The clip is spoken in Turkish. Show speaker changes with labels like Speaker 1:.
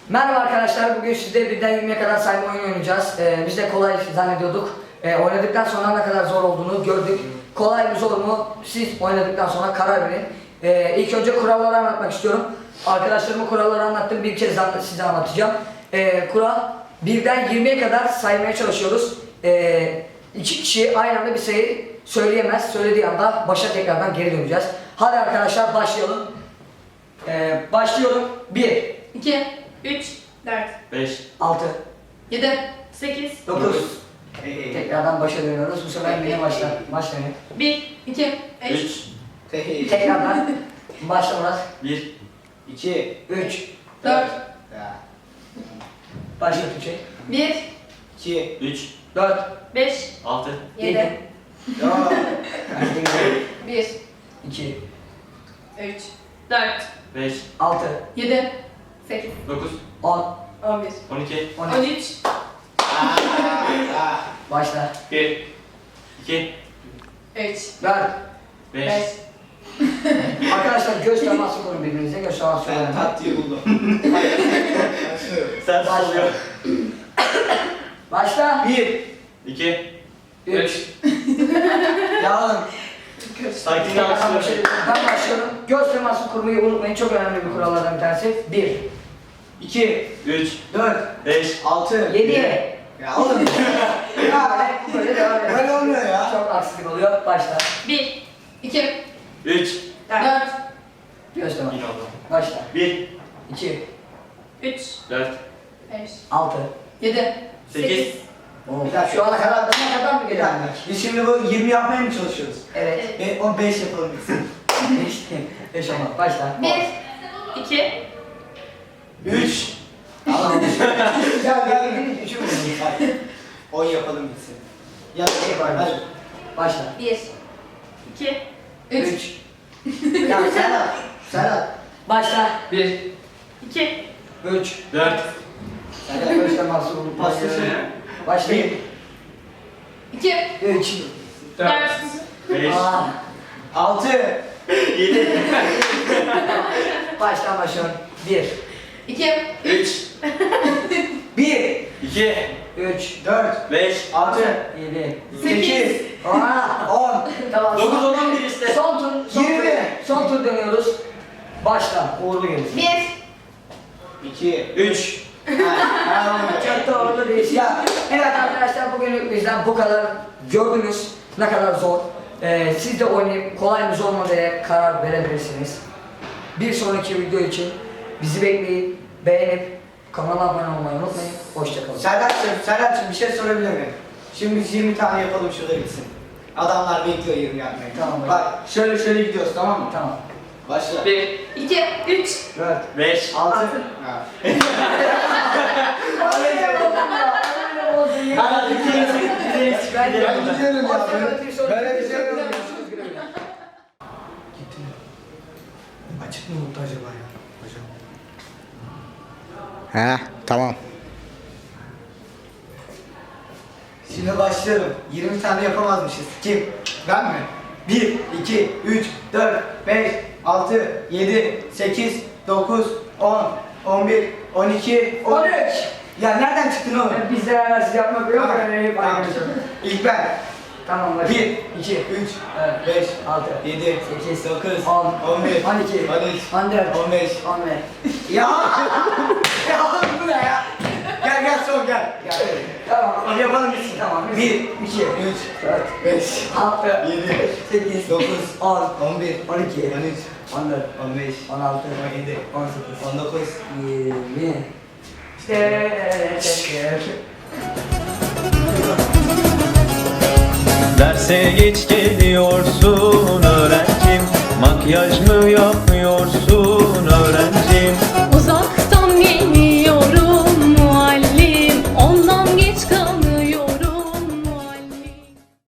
Speaker 1: Merhaba arkadaşlar, bugün sizde birden 20'ye kadar sayma oyunu oynayacağız. Biz de kolay zannediyorduk. Oynadıktan sonra ne kadar zor olduğunu gördük. Kolay mı zor mu siz oynadıktan sonra karar verin. İlk önce kuralları anlatmak istiyorum. Arkadaşlarıma kuralları anlattım, bir kez size anlatacağım. Kural, birden 20'ye kadar saymaya çalışıyoruz. İki kişi aynı anda bir sayı söyleyemez. Söylediği anda başa tekrardan geri döneceğiz. Hadi arkadaşlar başlayalım. Başlıyorum. 1
Speaker 2: 2, 3, 4,
Speaker 3: 5,
Speaker 1: 6
Speaker 2: 7, 8,
Speaker 1: 9 Tekrardan başa dönüyoruz. Bu sefer yine başlayın.
Speaker 2: 1, 2, 3,
Speaker 3: 3,
Speaker 1: Tekrardan başla Murat.
Speaker 3: 1,
Speaker 4: 2
Speaker 1: 3
Speaker 2: 4,
Speaker 1: Başla Tuğçe.
Speaker 2: 1,
Speaker 4: 2
Speaker 3: 3,
Speaker 1: 4
Speaker 2: 5,
Speaker 3: 6,
Speaker 2: 7, 1,
Speaker 1: 2
Speaker 2: 3, 4,
Speaker 3: 5,
Speaker 1: 6
Speaker 2: 7, 8,
Speaker 3: 9,
Speaker 1: 10
Speaker 2: 11,
Speaker 3: 12,
Speaker 2: 13,
Speaker 1: Başla.
Speaker 3: 1, 2,
Speaker 2: 3,
Speaker 1: 4
Speaker 3: 5,
Speaker 2: 5,
Speaker 1: Arkadaşlar göz teması kurun birbirinize. Göz teması
Speaker 4: Ben
Speaker 1: kurun.
Speaker 4: tatlıyı buldum.
Speaker 3: sen oluyor.
Speaker 1: Başla.
Speaker 4: 1
Speaker 3: 2,
Speaker 1: 3
Speaker 3: 3,
Speaker 1: Ya oğlum.
Speaker 3: sakin
Speaker 1: Tekrardan
Speaker 3: yavaşlıyor.
Speaker 1: ben başlıyorum. Göz teması kurmayı unutmayın. Çok önemli bir kurallardan bir tanesi. 1
Speaker 4: 2
Speaker 3: 3,
Speaker 4: 4
Speaker 3: 5,
Speaker 4: 6
Speaker 1: 7
Speaker 4: Ya oğlum ya
Speaker 1: Böyle devam edelim.
Speaker 4: böyle olmuyor ya.
Speaker 1: Çok aksilik oluyor. Başla.
Speaker 2: 1, 2,
Speaker 3: 3,
Speaker 2: 4,
Speaker 1: Göz teması.
Speaker 3: yine oldu.
Speaker 1: Başla.
Speaker 3: 1,
Speaker 1: 2
Speaker 2: 3,
Speaker 3: 4,
Speaker 2: 5,
Speaker 1: 6
Speaker 2: 7,
Speaker 3: 8,
Speaker 1: Şu ana kadar ne kadar mı geliyor?
Speaker 4: Biz şimdi bu 20 yapmaya mı çalışıyoruz?
Speaker 1: Evet.
Speaker 4: Ve 15 yapalım biz.
Speaker 1: 5 ama. Başla.
Speaker 2: 1, 2,
Speaker 4: 3
Speaker 1: Ya gel 3'ü mü?
Speaker 4: 10 yapalım bitsin. Ya hadi.
Speaker 1: Başla.
Speaker 2: 1, 2, 3,
Speaker 1: 3 Ya Serhat. Başla.
Speaker 3: 1,
Speaker 2: 2,
Speaker 1: 3
Speaker 3: 4,
Speaker 1: Serhat başla mahsul.
Speaker 4: Başlasana.
Speaker 1: Başlayın.
Speaker 2: 2,
Speaker 1: 3
Speaker 2: 4,
Speaker 3: 5,
Speaker 4: 6
Speaker 3: 7,
Speaker 1: Baştan başlıyorum. 1
Speaker 2: 2,
Speaker 3: 3,
Speaker 4: 1
Speaker 3: 2,
Speaker 1: 3
Speaker 4: 4
Speaker 3: 5,
Speaker 4: 6
Speaker 1: 7
Speaker 4: 8
Speaker 1: Aa,
Speaker 4: 10
Speaker 1: Tamam.
Speaker 3: 9, 10, 11 işte.
Speaker 1: Son tur.
Speaker 4: 20.
Speaker 1: Son tur dönüyoruz. Başla. Uğurlu gelsin.
Speaker 2: 1,
Speaker 4: 2
Speaker 3: 3,
Speaker 1: Çok da uğurlu değil.
Speaker 4: Ya.
Speaker 1: Evet arkadaşlar bugün bizden bu kadar. Gördünüz ne kadar zor. Siz de oynayıp kolay mı zor mu diye karar verebilirsiniz. Bir sonraki video için bizi bekleyin. Beğenip kanala abone olmayı unutmayın. Hoşçakalın.
Speaker 4: Serhat'cığım bir şey sorabilir miyim? Şimdi biz 20 tane yapalım şurada bitsin. Adamlar bekliyor 20 yapmayı.
Speaker 1: Tamam.
Speaker 4: Bak şöyle gidiyoruz tamam mı?
Speaker 1: Tamam.
Speaker 4: Başla.
Speaker 3: 1,
Speaker 2: 2, 3,
Speaker 4: 4
Speaker 3: 5,
Speaker 4: 6
Speaker 2: 6.
Speaker 3: hadi gidelim.
Speaker 1: Ben
Speaker 4: gidiyorum ya.
Speaker 1: Böyle
Speaker 4: bir şey yok.
Speaker 1: Gitti mi? Açık mı unuttu acaba ya? Hocam.
Speaker 4: He tamam. Şimdi başlıyorum. 20 tane yapamazmışız. Kim? Ben mi? 1, 2, 3, 4, 5, 6, 7, 8, 9, 10, 11, 12, 13. Ya nereden çıktın oğlum?
Speaker 1: Biz de siz yapmak yok.
Speaker 4: Tamam. İlk ben.
Speaker 1: Tamam.
Speaker 4: 1,
Speaker 1: 2
Speaker 4: 2, 3,
Speaker 1: Evet.
Speaker 4: 5,
Speaker 1: 6
Speaker 4: 7,
Speaker 1: 8
Speaker 4: 9,
Speaker 1: 10
Speaker 4: 11,
Speaker 1: 12
Speaker 4: 13,
Speaker 1: 14
Speaker 4: 15.
Speaker 1: 15
Speaker 4: Ya! Ya bu ne ya? Gel son gel.
Speaker 1: Tamam.
Speaker 4: Hadi yapalım bitsin.
Speaker 1: Tamam.
Speaker 4: 1, 2,
Speaker 1: 2
Speaker 4: 3,
Speaker 1: 4
Speaker 4: 5,
Speaker 1: 6
Speaker 4: 7,
Speaker 1: 8
Speaker 4: 9,
Speaker 1: 10
Speaker 4: 11,
Speaker 1: 12
Speaker 4: 13,
Speaker 1: 14
Speaker 4: 15,
Speaker 1: 16
Speaker 4: 17,
Speaker 1: 18
Speaker 4: 19.
Speaker 1: 20
Speaker 5: Derse geç geliyorsun öğrencim, makyaj mı yapmıyorsun?